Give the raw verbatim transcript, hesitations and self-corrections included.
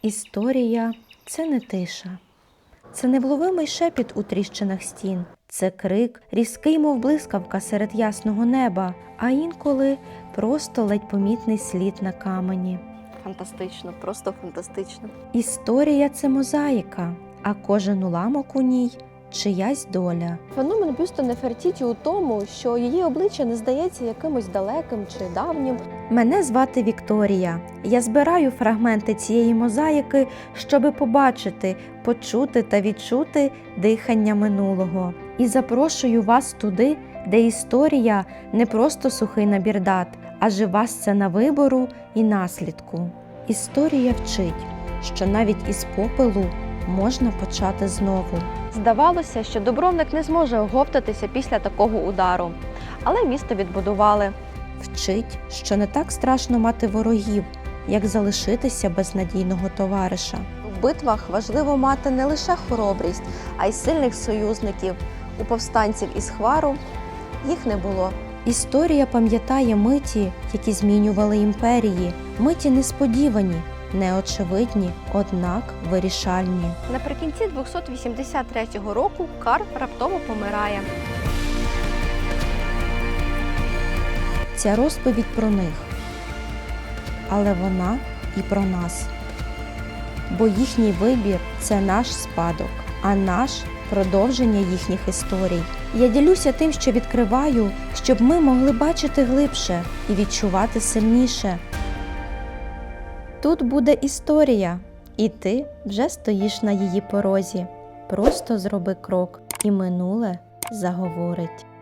Історія – це не тиша. Це невловимий шепіт у тріщинах стін. Це крик, різкий, мов блискавка серед ясного неба, а інколи просто ледь помітний слід на камені. Фантастично, просто фантастично. Історія – це мозаїка, а кожен уламок у ній – чиясь доля. Феномен бюсту Нефертіті у тому, що її обличчя не здається якимось далеким чи давнім. Мене звати Вікторія. Я збираю фрагменти цієї мозаїки, щоби побачити, почути та відчути дихання минулого. І запрошую вас туди, де історія не просто сухий набір дат, а жива сцена вибору і наслідку. Історія вчить, що навіть із попелу можна почати знову. Здавалося, що Дубровник не зможе оговтатися після такого удару, але місто відбудували. Вчить, що не так страшно мати ворогів, як залишитися без надійного товариша. В битвах важливо мати не лише хоробрість, а й сильних союзників. У повстанців із Хвару їх не було. Історія пам'ятає миті, які змінювали імперії, миті несподівані, неочевидні, однак вирішальні. Наприкінці двохсот вісімдесят третього року Карл раптово помирає. Ця розповідь про них, але вона і про нас. Бо їхній вибір – це наш спадок, а наш – продовження їхніх історій. Я ділюся тим, що відкриваю, щоб ми могли бачити глибше і відчувати сильніше. Тут буде історія, і ти вже стоїш на її порозі. Просто зроби крок, і минуле заговорить.